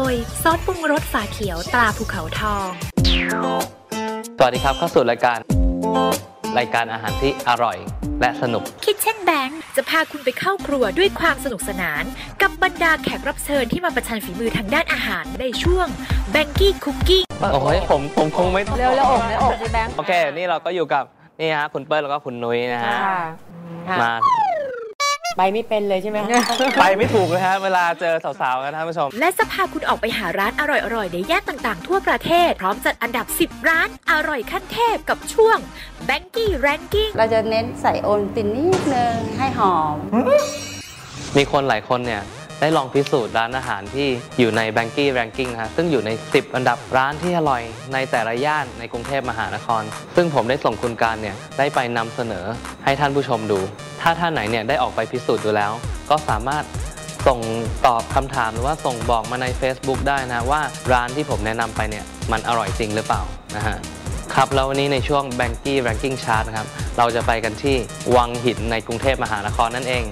ยซอสปรุงรสฝาเขียวตราภูเขาทองสวัสดีครับเข้าสู่รายการอาหารที่อร่อยและสนุก Kitchen Bank จะพาคุณไปเข้าครัวด้วยความสนุกสนานกับบรรดาแขกรับเชิญที่มาประชันฝีมือทางด้านอาหารในช่วง Banky Cooking โอ้ยผมคงไม่เร็วๆอกสิแบงค์โอเคนี่เราก็อยู่กับนี่ฮะคุณเปิ้ลแล้วก็คุณนุ้ยนะฮะมาไปไม่เป็นเลยใช่ไหมไปไม่ถูกเลยฮะเวลาเจอสาวๆกันท่านผู้ชมและจะพาคุณออกไปหาร้านอร่อยๆในย่านต่างๆทั่วประเทศพร้อมจัดอันดับ10ร้านอร่อยขั้นเทพกับช่วง Banky Ranking เราจะเน้นใส่โอนตินนิดนึงให้หอมมีคนหลายคนเนี่ยได้ลองพิสูจน์ร้านอาหารที่อยู่ใน Banky Ranking นะฮะซึ่งอยู่ใน10อันดับร้านที่อร่อยในแต่ละย่านในกรุงเทพมหานครซึ่งผมได้ส่งคุณการเนี่ยได้ไปนำเสนอให้ท่านผู้ชมดูถ้าท่านไหนเนี่ยได้ออกไปพิสูจน์ดูแล้วก็สามารถส่งตอบคำถามหรือว่าส่งบอกมาใน Facebook ได้นะว่าร้านที่ผมแนะนำไปเนี่ยมันอร่อยจริงหรือเปล่านะฮะครับแล้ววันนี้ในช่วง Banky Ranking Chart นะครับเราจะไปกันที่วังหินในกรุงเทพมหานครนั่นเอง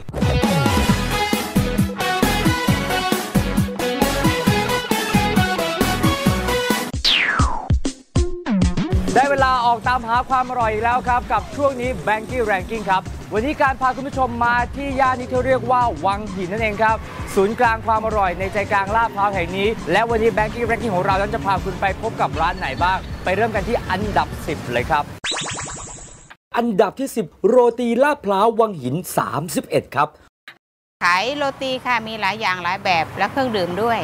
ได้เวลาออกตามหาความอร่อยแล้วครับกับช่วงนี้ Banky Ranking ครับวันนี้การพาคุณผู้ชมมาที่ย่านนี้ที่เรียกว่าวังหินนั่นเองครับศูนย์กลางความอร่อยในใจกลางลาดพร้าวแห่งนี้และวันนี้ Banky Ranking ของเรานั้นจะพาคุณไปพบกับร้านไหนบ้างไปเริ่มกันที่อันดับ10เลยครับอันดับที่10โรตีลาดพร้าววังหิน31ครับขายโรตีค่ะมีหลายอย่างหลายแบบและเครื่องดื่มด้วย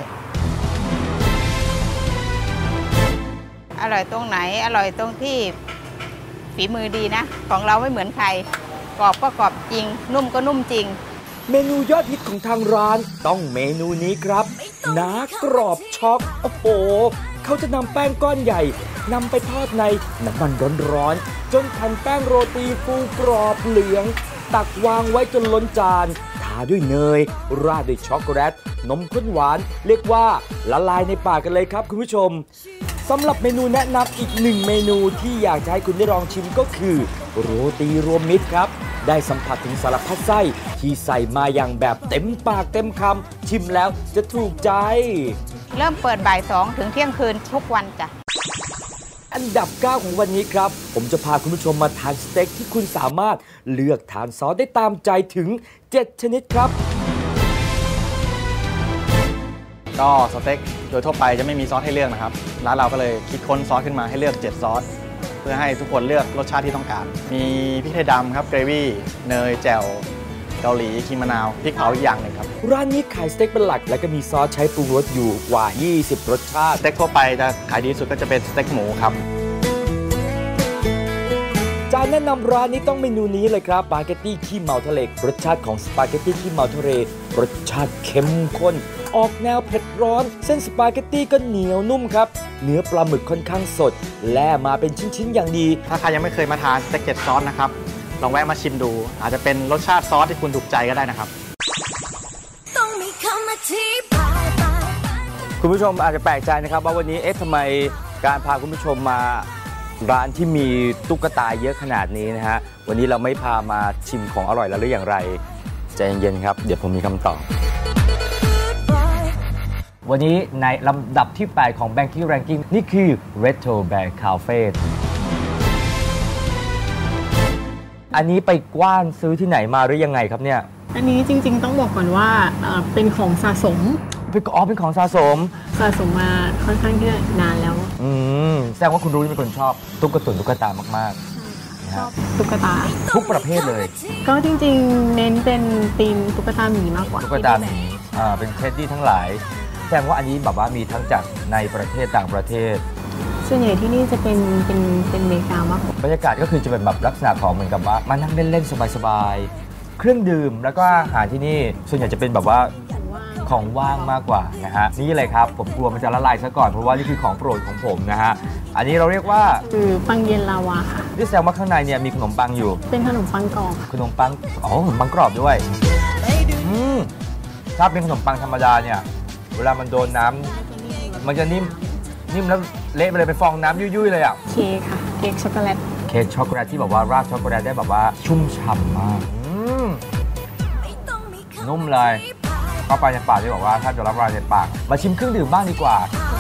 อร่อยตรงไหนอร่อยตรงที่ฝีมือดีนะของเราไม่เหมือนใครกรอบก็กรอบจริงนุ่มก็นุ่มจริงเมนูยอดฮิตของทางร้านต้องเมนูนี้ครับหนากรอบช็อกโอ้โหเขาจะนำแป้งก้อนใหญ่นำไปทอดในน้ำมันร้อนๆจนแผ่นแป้งโรตีฟูกรอบเหลืองตักวางไว้จนล้นจานทาด้วยเนยราดด้วยช็อกโกแลตนมข้นหวานเรียกว่าละลายในปากกันเลยครับคุณผู้ชมสำหรับเมนูแนะนำอีกหนึ่งเมนูที่อยากจะให้คุณได้ลองชิมก็คือโรตีรวมมิตรครับได้สัมผัสถึงสารพัดไส้ที่ใส่มาอย่างแบบเต็มปากเต็มคำชิมแล้วจะถูกใจเริ่มเปิดบ่าย2ถึงเที่ยงคืนทุกวันจ้ะอันดับ9ของวันนี้ครับผมจะพาคุณผู้ชมมาทานสเต็กที่คุณสามารถเลือกทานซอสได้ตามใจถึง7ชนิดครับก็สเต็กโดยทั่วไปจะไม่มีซอสให้เลือกนะครับร้านเราก็เลยคิดค้นซอสขึ้นมาให้เลือก7ซอสเพื่อให้ทุกคนเลือกรสชาติที่ต้องการมีพริกไทยดำครับเกรวี่เนยแจ่วเกาหลีครีมมะนาวพริกเผาอีกอย่างหนึ่งครับร้านนี้ขายสเต็กเป็นหลักและก็มีซอสใช้ปรุงรสอยู่กว่า20รสชาติสเต็กทั่วไปจะขายดีสุดก็จะเป็นสเต็กหมูครับจานแนะนำร้านนี้ต้องเมนูนี้เลยครับสปาเกตตี้ขี้เมาทะเลรสชาติของสปาเกตตี้ขี้เมาทะเลรสชาติเข้มข้นออกแนวเผ็ดร้อนเส้นสปาเกตตี้ก็เหนียวนุ่มครับเนื้อปลาหมึกค่อนข้างสดแล่มาเป็นชิ้นๆอย่างดีถ้าใครยังไม่เคยมาทานสเต็ก7ซอสนะครับลองแวะมาชิมดูอาจจะเป็นรสชาติซอสที่คุณถูกใจก็ได้นะครับคุณผู้ชมอาจจะแปลกใจนะครับว่าวันนี้ทำไมการพาคุณผู้ชมมาร้านที่มีตุ๊กตาเยอะขนาดนี้นะฮะวันนี้เราไม่พามาชิมของอร่อยแล้วหรืออย่างไรใจเย็นๆครับเดี๋ยวผมมีคำตอบวันนี้ในลำดับที่8ของ Banky Ranking นี่คือ Retro Bear Cafe อันนี้ไปกว้านซื้อที่ไหนมาหรือยังไงครับเนี่ยอันนี้จริงๆต้องบอกก่อนว่าเป็นของสะสมเป็นของสะสมมาค่อนข้างที่นานแล้วแสดงว่าคุณรู้เป็นคนชอบตุ๊กตามากๆชอบตุ๊กตาทุกประเภทเลยก็จริงๆเน้นเป็นธีมตุ๊กตาหมีมากกว่าตุ๊กตาหมีเป็นเท็ดดี้ทั้งหลายแสดงว่าอันนี้แบบว่ามีทั้งจากในประเทศต่างประเทศส่วนใหญ่ที่นี่จะเป็นอเมริกามากกว่าบรรยากาศก็คือจะเป็นแบบลักษณะของเหมือนกับว่ามานั่งเล่นๆสบายๆเครื่องดื่มแล้วก็อาหารที่นี่ส่วนใหญ่จะเป็นแบบว่าของว่างมากกว่านะฮะนี่เลยครับผมกลัวมันจะละลายซะก่อนเพราะว่านี่คือของโปรดของผมนะฮะอันนี้เราเรียกว่าคือปังเย็นลาวาค่ะที่แสดงว่าข้างในเนี่ยมีขนมปังอยู่เป็นขนมปังกรอบขนมปังขนมปังกรอบด้วยถ้าเป็นขนมปังธรรมดาเนี่ยเวลามันโดนน้ำมันจะนิ่มแล้วเละไปเลยเป็นฟองน้ำยุ่ยๆเลยอ่ะเค้กค่ะเค้กช็อกโกแลตที่แบบว่าราดช็อกโกแลตได้แบบว่าชุ่มฉ่ำมากนุ่มเลยก็ไปในปากที่บอกว่าถ้าจะรับประทานในปากมาชิมเครื่องดื่มบ้างดีกว่า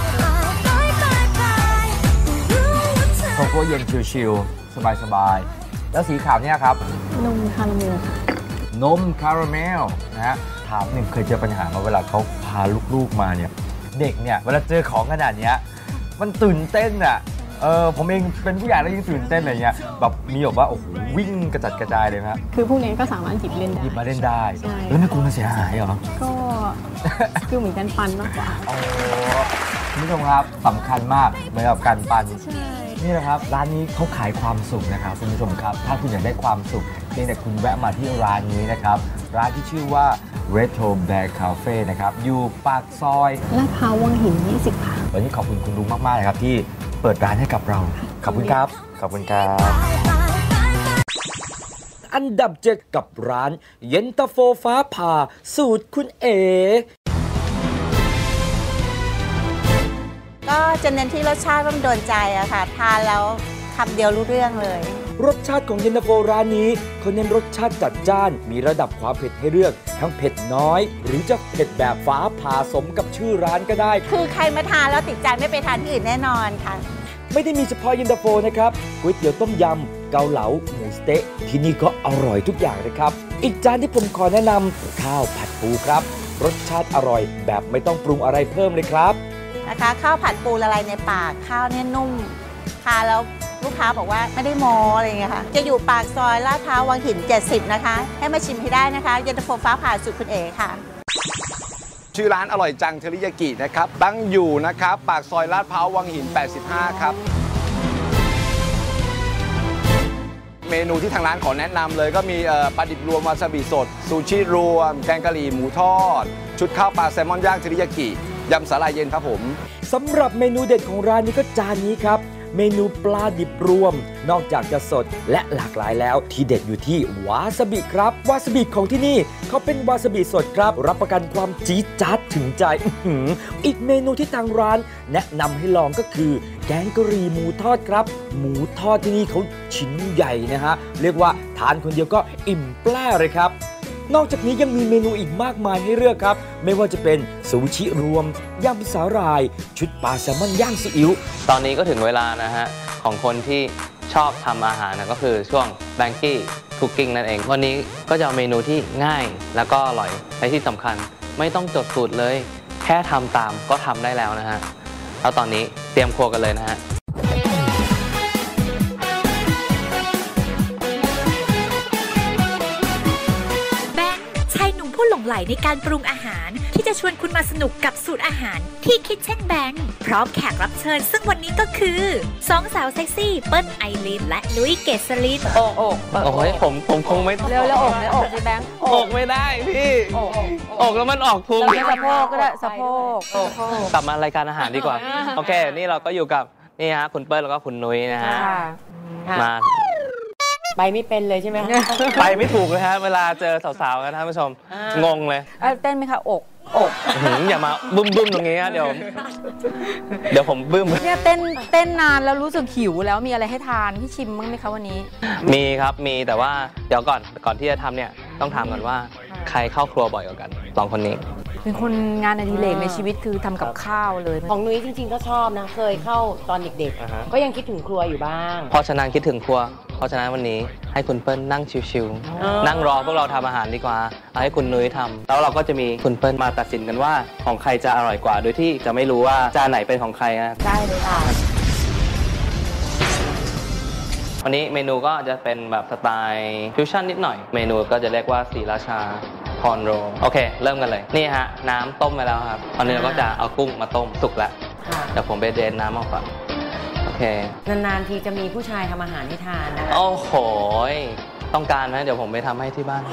โกโก้เย็นชิลๆสบายๆแล้วสีขาวเนี่ยครับนมคาราเมลค่ะนมคาราเมลนะฮะถามหนึ่งเคยเจอปัญหามาเวลาเขาพาลูกๆมาเนี่ยเด็กเนี่ยเวลาเจอของขนาดนี้มันตื่นเต้นอ่ะผมเองเป็นผู้ใหญ่แล้วยังตื่นเต้นอะไรเงี้ยแบบมีแบบว่าโอ้โหวิ่งกระจัดกระจายเลยนะคือพวกนี้ก็สามารถหยิบเล่นได้หยิบมาเล่นได้แล้วไม่กลัวมันเสียหายเหรอก็คือเหมือนกันปันมากกว่าคุณผู้ชมครับสำคัญมากเหมือนกับการปันนี่แหละครับร้านนี้เขาขายความสุขนะครับคุณผู้ชมครับถ้าคุณอยากได้ความสุขเพียงแต่คุณแวะมาที่ร้านนี้นะครับร้านที่ชื่อว่า Retro Bear Cafe นะครับอยู่ปากซอยลาดพร้าววังหิน20ค่ะวันนี้ขอบคุณคุณลุงมากๆเลยครับที่เปิดร้านให้กับเราขอบคุณครับขอบคุณครับอันดับ7กับร้านเย็นตาโฟฟ้าผ่าสูตรคุณเอก็จะเน้นที่รสชาติว่ามันโดนใจอะค่ะทานแล้วคำเดียวรู้เรื่องเลยรสชาติของเย็นตาโฟร้านนี้เขาเน้นรสชาติจัดจ้านมีระดับความเผ็ดให้เลือกทั้งเผ็ดน้อยหรือจะเผ็ดแบบฟ้าผ่าสมกับชื่อร้านก็ได้คือใครมาทานแล้วติดใจไม่ไปทานที่อื่นแน่นอนค่ะไม่ได้มีเฉพาะเย็นตาโฟนะครับก๋วยเตี๋ยวต้มยำเกาเหลาหมูสเต๊ะที่นี่ก็อร่อยทุกอย่างเลยครับอีกจานที่ผมขอแนะนำข้าวผัดปูครับรสชาติอร่อยแบบไม่ต้องปรุงอะไรเพิ่มเลยครับนะคะข้าวผัดปูละลายในปากข้าวเนี่ยนุ่มทานแล้วลูกค้าบอกว่าไม่ได้โมอะไรอย่างเงี้ยค่ะจะอยู่ปากซอยลาดพร้าววังหิน70นะคะให้มาชิมให้ได้นะคะเย็นตาโฟฟ้าผ่าสูตรคุณเอ๋ค่ะชื่อร้านอร่อยจังเทริยากินะครับตั้งอยู่นะครับปากซอยลาดพร้าววังหิน85ครับเมนูที่ทางร้านขอแนะนำเลยก็มีปลาดิบรวมวาซาบิสดซูชิรวมแกงกะหรี่หมูทอดชุดข้าวปลาแซลมอนย่างเทริยากิยำสาหร่ายเย็นครับผมสำหรับเมนูเด็ดของร้านนี้ก็จานนี้ครับเมนูปลาดิบรวมนอกจากจะสดและหลากหลายแล้วที่เด็ดอยู่ที่วาซาบิครับวาซาบิของที่นี่เขาเป็นวาซาบิสดครับรับประกันความจี๊ดจ๊าดถึงใจอีกเมนูที่ทางร้านแนะนำให้ลองก็คือแกงกะหรี่หมูทอดครับหมูทอดที่นี่เขาชิ้นใหญ่นะฮะเรียกว่าทานคนเดียวก็อิ่มแปร่เลยครับนอกจากนี้ยังมีเมนูอีกมากมายให้เลือกครับไม่ว่าจะเป็นซูชิรวมยำสาหร่ายชุดปลาแซลมอนย่างซีอิ๊วตอนนี้ก็ถึงเวลานะฮะของคนที่ชอบทำอาหารนะก็คือช่วง Banky Cooking นั่นเองวันนี้ก็จะเอาเมนูที่ง่ายแล้วก็อร่อยและที่สำคัญไม่ต้องจดสูตรเลยแค่ทำตามก็ทำได้แล้วนะฮะแล้วตอนนี้เตรียมครัวกันเลยนะฮะหลงไหลในการปรุงอาหารที่จะชวนคุณมาสนุกกับสูตรอาหารที่คิดเช่นแบงค์พร้อมแขกรับเชิญซึ่งวันนี้ก็คือสองสาวเซ็กซี่เปิ้ลไอรินและนุ้ยเกษรินโอ้ยผมคงไม่เร็วแล้วอกสิแบงค์อกไม่ได้พี่อกแล้วมันออกพุงสะโพกก็ได้สะโพกกลับมารายการอาหารดีกว่าโอเคนี่เราก็อยู่กับนี่ฮะคุณเปิ้ลแล้วก็คุณนุ้ยนะฮะมาไปไม่เป็นเลยใช่ไหมไปไม่ถูกเลยฮะเวลาเจอสาวๆกันท่านผู้ชมงงเลยเต้นไหมคะอกอย่ามาบึ้มตรงนี้ฮะเดี๋ยวผมบึ้มเนี่ยเต้นนานแล้วรู้สึกหิวแล้วมีอะไรให้ทานพี่ชิมมั้งไหมคะวันนี้มีครับมีแต่ว่าเดี๋ยวก่อนที่จะทำเนี่ยต้องถามก่อนว่าใครเข้าครัวบ่อยกว่ากันสองคนนี้เป็นคนงานอดิเรกในชีวิตคือทำกับข้าวเลยของนุ้ยจริงๆก็ชอบนะเคยเข้าตอนเด็กๆก็ยังคิดถึงครัวอยู่บ้างเพราะฉะนั้นคิดถึงครัวเพราะฉะนั้นวันนี้ให้คุณเปิ้ลนั่งชิวๆนั่งรอพวกเราทำอาหารดีกว่าเอาให้คุณนุ้ยทำแล้วเราก็จะมีคุณเปิ้ลมาตัดสินกันว่าของใครจะอร่อยกว่าโดยที่จะไม่รู้ว่าจานไหนเป็นของใครนะได้เลยค่ะวันนี้เมนูก็จะเป็นแบบสไตล์ฟิวชั่นนิดหน่อยเมนูก็จะเรียกว่าศรีราชาพรโรโอเคเริ่มกันเลยนี่ฮะน้ำต้มไปแล้วครับตอนนี้เราก็จะเอากุ้งมาต้มสุกแล้วเดี๋ยวผมไปเดนน้ำออกก่อนโอเคนานๆทีจะมีผู้ชายทำอาหารให้ทานนะโอ้โหต้องการไหมเดี๋ยวผมไปทำให้ที่บ้าน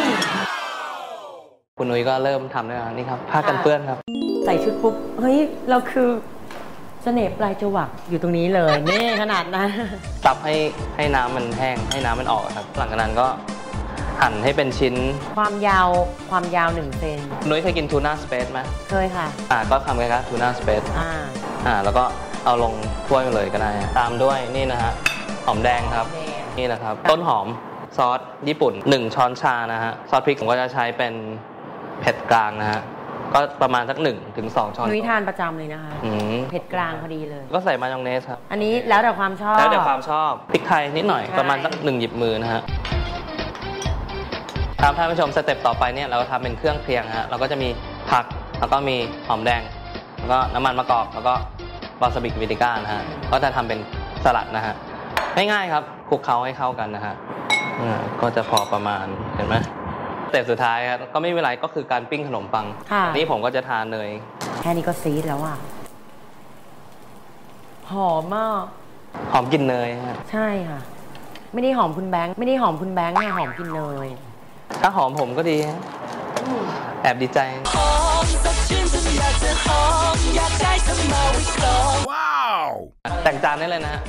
คุณนุ้ยก็เริ่มทำแล้วนี่ครับผ้ากันเปื้อนครับใส่ชุดปุ๊บเฮ้ยเราคือเสน่ห์ปลายจวักอยู่ตรงนี้เลยนี่ขนาดนั้นตับให้น้ำมันแห้งให้น้ำมันออกครับหลังจากนั้นก็หั่นให้เป็นชิ้นความยาว1 เซนนุ้ยเคยกินทูน่าสเปซไหมเคยค่ะก็ทำกันครับทูน่าสเปซแล้วก็เอาลงถ้วยมาเลยก็ได้ตามด้วยนี่นะฮะหอมแดงครับนี่นะครับต้นหอมซอสญี่ปุ่น1 ช้อนชานะฮะซอสพริกผมก็จะใช้เป็นเผ็ดกลางนะฮะก็ประมาณสัก1 ถึง 2 ช้อนนุ้ยทานประจำเลยนะคะเผ็ดกลางพอดีเลยก็ใส่มายองเนสครับอันนี้แล้วแต่ความชอบแล้วแต่ความชอบพริกไทยนิดหน่อยประมาณสัก1 หยิบมือนะฮะครับท่านผู้ชมสเต็ปต่อไปเนี่ยเราก็ทำเป็นเครื่องเคียงฮะเราก็จะมีผักแล้วก็มีหอมแดงแล้วก็น้ำมันมะกอกแล้วก็วาซาบิวิติก้านะฮะก็จะทำเป็นสลัดนะฮะง่ายๆครับคลุกเคล้าให้เข้ากันนะฮะก็จะพอประมาณเห็นไหมสเต็ปสุดท้ายครับก็ไม่มีอะไรก็คือการปิ้งขนมปังนี่ผมก็จะทานเนยแค่นี้ก็ซีดแล้วอ่ะหอมมากหอมกลิ่นเนยฮะใช่ค่ะไม่ได้หอมคุณแบงค์ไม่ได้หอมคุณแบงค์เนี่ยหอมกลิ่นเนยถ้าหอมผมก็ดีแอบดีใจว้าวแต่งจานได้เลยนะฮะ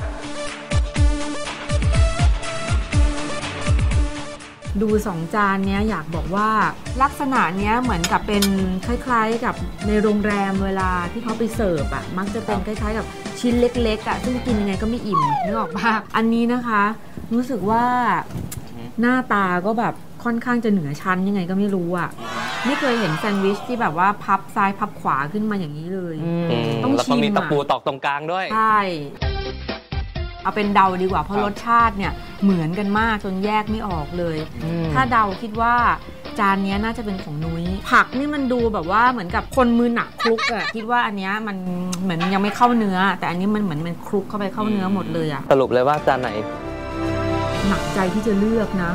ดู2 จานเนี้ยอยากบอกว่าลักษณะเนี้ยเหมือนกับเป็นคล้ายๆกับในโรงแรมเวลาที่เขาไปเสิร์ฟอ่ะมักจะเป็นคล้ายๆกับชิ้นเล็กๆอ่ะซึ่งกินยังไงก็ไม่อิ่มนึกออกป่ะอันนี้นะคะรู้สึกว่าหน้าตาก็แบบค่อนข้างจะเหนือชั้นยังไงก็ไม่รู้อ่ะไม่เคยเห็นแซนด์วิชที่แบบว่าพับซ้ายพับขวาขึ้นมาอย่างนี้เลยต้องชิมแล้วก็มีตะปูตอกตรงกลางด้วยใช่เอาเป็นเดาดีกว่าเพราะรสชาติเนี่ยเหมือนกันมากจนแยกไม่ออกเลยถ้าเดาคิดว่าจานนี้น่าจะเป็นของนุ้ยผักนี่มันดูแบบว่าเหมือนกับคนมือหนักคลุกอะคิดว่าอันนี้มันเหมือนยังไม่เข้าเนื้อแต่อันนี้มันเหมือนมันคลุกเข้าไปเข้าเนื้อหมดเลยอะสรุปเลยว่าจานไหนหนักใจที่จะเลือกนะ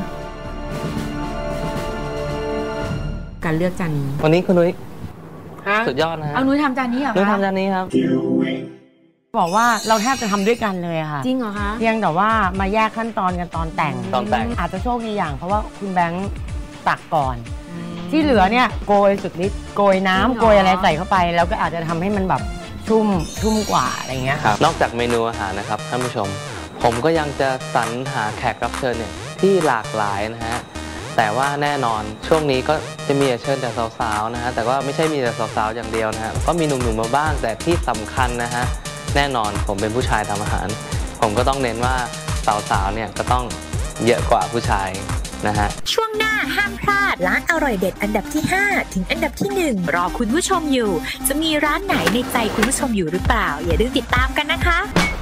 การเลือกจานนี้วันนี้คุณนุ้ยสุดยอดนะเอานุ้ยทำจานนี้เหรอคะนุ้ยทำจานนี้ครับบอกว่าเราแทบจะทำด้วยกันเลยค่ะจริงเหรอคะเพียงแต่ว่ามาแยกขั้นตอนกันตอนแต่งอาจจะโชคดีอย่างเพราะว่าคุณแบงค์ตักก่อนที่เหลือเนี่ยโกยสุดฤทธิ์โกยน้ำโกยอะไรใส่เข้าไปแล้วก็อาจจะทำให้มันแบบชุ่มกว่าอะไรเงี้ยนอกจากเมนูอาหารนะครับท่านผู้ชมผมก็ยังจะสรรหาแขกรับเชิญเนี่ยที่หลากหลายนะฮะแต่ว่าแน่นอนช่วงนี้ก็จะมีเชิญแต่สาวๆนะฮะแต่ว่าไม่ใช่มีแต่สาวๆอย่างเดียวนะฮะก็มีหนุ่มๆมาบ้างแต่ที่สำคัญนะฮะแน่นอนผมเป็นผู้ชายทำอาหารผมก็ต้องเน้นว่าสาวๆเนี่ยก็ต้องเยอะกว่าผู้ชายนะฮะช่วงหน้าห้ามพลาดร้านอร่อยเด็ดอันดับที่5ถึงอันดับที่1รอคุณผู้ชมอยู่จะมีร้านไหนในใจคุณผู้ชมอยู่หรือเปล่าอย่าลืมติดตามกันนะคะ